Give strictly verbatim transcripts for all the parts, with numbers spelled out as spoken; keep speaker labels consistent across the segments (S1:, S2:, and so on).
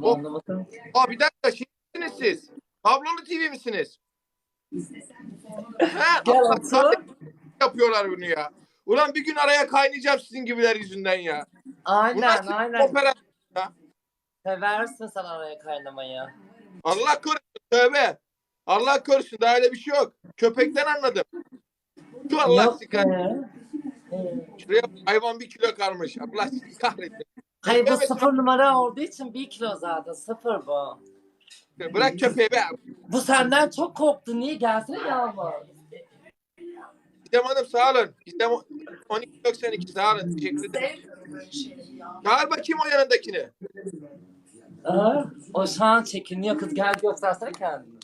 S1: O,
S2: Anlamadım.
S1: Aa, bir dakika, şey misiniz siz? Tablolu T V misiniz? He,
S2: Gel
S1: Allah
S2: otur.
S1: kahretsin, yapıyorlar bunu ya. Ulan bir gün araya kaynayacağım sizin gibiler yüzünden ya. Bu
S2: Aynen
S1: nasıl bir
S2: aynen.
S1: operasyon ya?
S2: Seversin sen araya kaynamayı.
S1: Allah korusun, tövbe. Allah korusun, daha öyle bir şey yok. Köpekten anladım. Şu Allah
S2: Yok
S1: sizi
S2: be.
S1: kahretsin.
S2: Ee,
S1: Şuraya hayvan bir kilo karmış. Allah sizi kahretsin.
S2: Hayır bu
S1: Beklemesin.
S2: sıfır numara olduğu için bir kilo zaten. Sıfır bu.
S1: Bırak köpeği be.
S2: Bu senden çok korktu. Niye? Gelsene Yağmur.
S1: Gizem Hanım sağ olun. Gizem on iki doksan iki sağ olun. Teşekkür ederim. Çağır bakayım o yanındakini.
S2: Aa, o şu an çekiniyor kız. Gel göstersene kendini.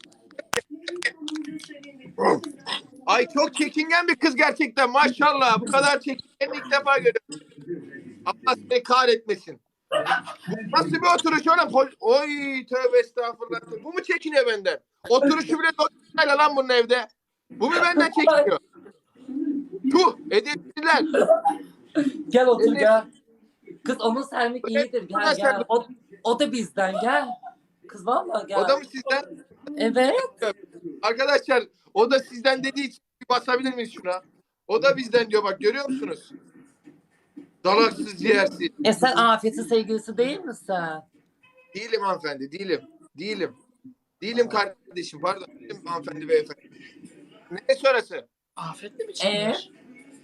S1: Ay çok çekingen bir kız gerçekten, maşallah. Bu kadar çekingen ilk defa görüyorum. Allah seni kahretmesin. Bu nasıl bir oturuş oğlum? Oy tövbe estağfurullah. Bu mu çekiniyor benden? Oturuşu bile doğru lan bunun evde. Bu mu benden çekiniyor? Tuh edepsizler.
S2: Gel otur
S1: Evet.
S2: gel. Kız onun senlik iyidir. Gel
S1: Burası-
S2: gel. O, o da bizden gel. Kız valla gel.
S1: O da mı sizden?
S2: Evet.
S1: Arkadaşlar o da sizden dediği için bir basabilir miyiz şuna? O da bizden diyor, bak görüyor musunuz? Dalaksız ciğersiz.
S2: E sen Afet'in sevgilisi değil misin?
S1: Değilim hanımefendi, değilim. Değilim. Değilim kardeşim, pardon. Değilim hanımefendi beyefendi. Ne sonrası?
S3: Afet'le mi
S2: Ee?
S3: çıkmış?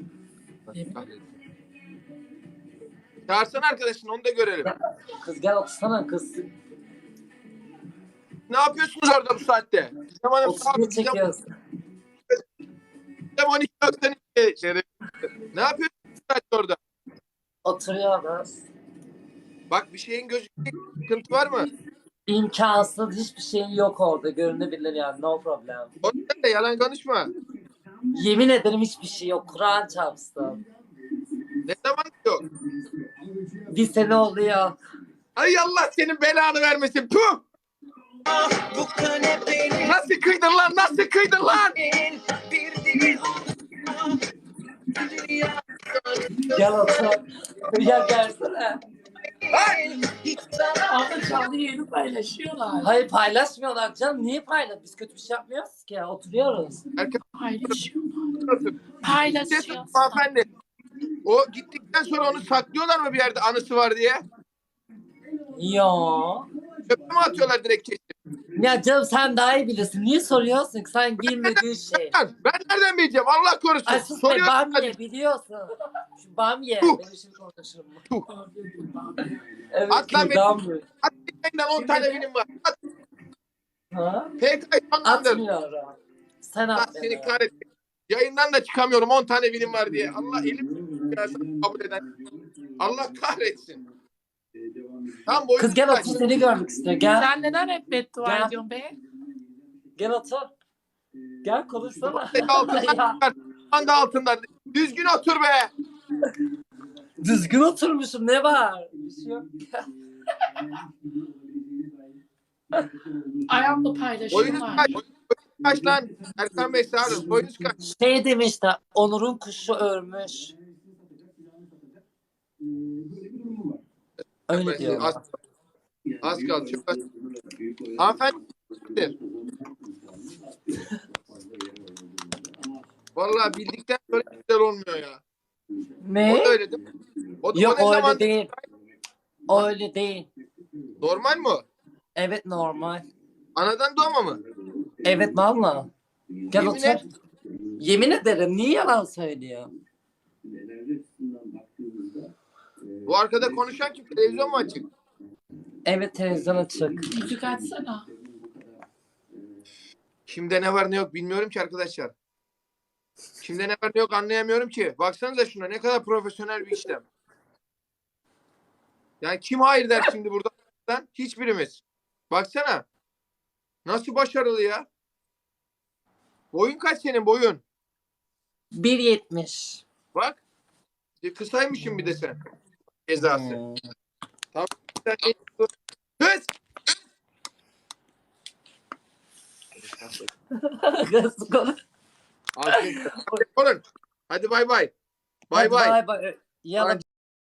S1: Çağırsana arkadaşını, onu da görelim.
S2: Kız gel otursana kız.
S1: Ne yapıyorsunuz orada bu saatte? Gizem Hanım sağ olun.
S2: Oturup
S1: Gizem
S2: çekiyorsun.
S1: Gizem on iki doksan iki. Şeref. Ne yapıyorsunuz bu saatte orada?
S2: Oturuyoruz.
S1: Bak bir şeyin gözükecek sıkıntı var mı?
S2: İmkansız hiçbir şeyin yok orada. Görünebilir yani. No problem.
S1: Orada da yalan konuşma.
S2: Yemin ederim hiçbir şey yok. Kur'an çarpsın.
S1: Ne zaman yok?
S2: Bir sene oluyor.
S1: Ay Allah senin belanı vermesin. Puh! Nasıl kıydın lan? Nasıl kıydın lan?
S2: Gel otur. Gel gelsene.
S1: Ay!
S3: Abla canlı yayını paylaşıyorlar.
S2: Hayır paylaşmıyorlar canım. Niye paylaş? Biz kötü bir şey yapmıyoruz ki. Oturuyoruz.
S3: Paylaşıyorlar.
S1: Ses
S3: Paylaşıyorlar.
S1: hanımefendi. O gittikten sonra onu saklıyorlar mı bir yerde, anısı var diye?
S2: Yo.
S1: Çöpe mi atıyorlar direkt kesip?
S2: Ya canım sen daha iyi bilirsin. Niye soruyorsun ki? Sen bilmediğin şey.
S1: Ben ben nereden bileceğim? Allah korusun.
S2: Ay sus be
S1: Soruyorum.
S2: bamye biliyorsun. Şu bamye.
S1: Tuh.
S2: Benim şimdi konuşurum.
S1: Tuh.
S2: Evet
S1: At lan
S2: kürdan bu.
S1: At elinden on tane bilim var. At.
S2: Ha?
S1: P K'yı sonlandır.
S2: Atmıyorum. Sen
S1: Allah
S2: at
S1: seni
S2: beni.
S1: kahretsin. Yayından da çıkamıyorum on tane bilim var diye. Allah elim kabul eden. Allah kahretsin. Tam boyun
S2: Kız gel otur seni görmek istiyor. Gel.
S3: Sen neden hep beddua
S2: Gel.
S3: ediyorsun be?
S2: Gel otur. Gel konuşsana.
S1: altından
S2: Ya,
S1: çıkar. Sen de altından. Düzgün otur be.
S2: düzgün oturmuşum ne var? Bir şey yok.
S3: Ayağımla
S1: Boyunuz
S3: paylaşıyorlar.
S1: kaç? Boyunuz kaç lan? Erkan Bey sağ olun. Boyunuz kaç?
S2: Şey demişti. Onur'un kuşu ölmüş. Öyle diyor.
S1: Az, az kaldı. Çok az. Hanımefendi. Vallahi bildikten sonra güzel olmuyor ya.
S2: Ne?
S1: O da öyle değil mi? O da,
S2: Yok
S1: o ne
S2: öyle
S1: zaman
S2: değil. O öyle değil.
S1: normal mi o?
S2: Evet normal.
S1: Anadan doğma mı?
S2: Evet valla. Gel
S1: Yemin
S2: otur.
S1: et.
S2: Yemin ederim niye yalan söylüyor?
S1: Bu arkada konuşan kim? Televizyon mu açık?
S2: Evet televizyon açık.
S3: Müzik açsana.
S1: Kimde ne var ne yok bilmiyorum ki arkadaşlar. Kimde ne var ne yok anlayamıyorum ki. Baksanıza şuna, ne kadar profesyonel bir işlem. Yani kim hayır der şimdi burada? Hiçbirimiz. Baksana. Nasıl başarılı ya? Boyun kaç senin boyun?
S2: bir yetmiş.
S1: Bak. E, Kısaymışsın bir de sen. Cezası.
S2: Hmm.
S1: Kız!
S2: Kız konuş.
S1: Afiyet olsun. Hadi bay bay. Bay
S2: Hadi
S1: bay.
S2: bay bay. Yalan.